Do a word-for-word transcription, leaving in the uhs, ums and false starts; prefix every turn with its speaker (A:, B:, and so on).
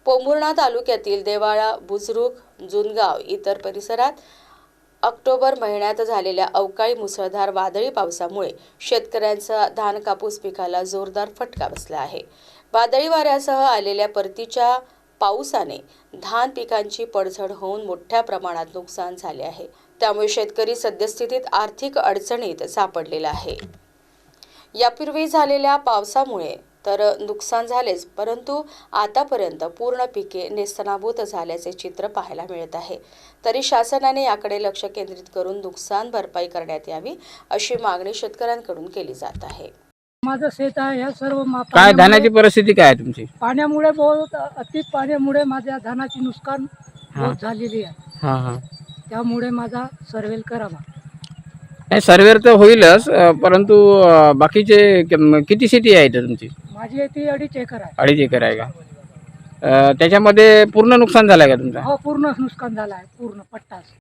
A: पोंभुर्णा तालुक्यातील देवाळा, बुजरुक, जुनगाव इतर परिसरात ऑक्टोबर महिन्यात झालेल्या अवकाळी मुसळधार वादळी पावसामुळे शेतकऱ्यांचा धान कापूस पिकाला जोरदार फटका बसला आहे। वादळी वाऱ्यासह आलेल्या परतीच्या पावसाने धान पिकांची पडझड होऊन मोठ्या प्रमाणात नुकसान झाले आहे। त्यामुळे शेतकरी सद्यस्थितीत आर्थिक अडचणीत सापडलेला आहे। यापूर्वी झालेल्या पावसामुळे तर नुकसान झालेच, परंतु आतापर्यंत पूर्ण पिके नेस्तनाबूत झाल्याचे चित्र पाहायला मिळत आहे। तरी शासनाने याकडे लक्ष केंद्रित करून नुकसान भरपाई करण्यात यावी अशी मागणी शेतकऱ्यांकडून केली जात आहे।
B: माझं शेत आहे, या सर्व
C: काय धानाची परिस्थिती काय आहे तुमची?
B: पाण्यामुळे बहुत अति पाण्यामुळे माझ्या धानाची नुकसान बहुत झालेली आहे।
C: हां हां
B: त्यामुळे माझा सर्वेल करावा।
C: नाही, सर्वेर तर होईलच, परंतु बाकीचे किती शेती आहे इथं तुमची?
B: माझी ती अडीच एकर आहे।
C: अडीच एकर आहे का? त्याच्यामध्ये पूर्ण नुकसान झालं आहे का तुमचं?
B: हो, पूर्ण नुकसान झालं आहे, पूर्ण पट्टा।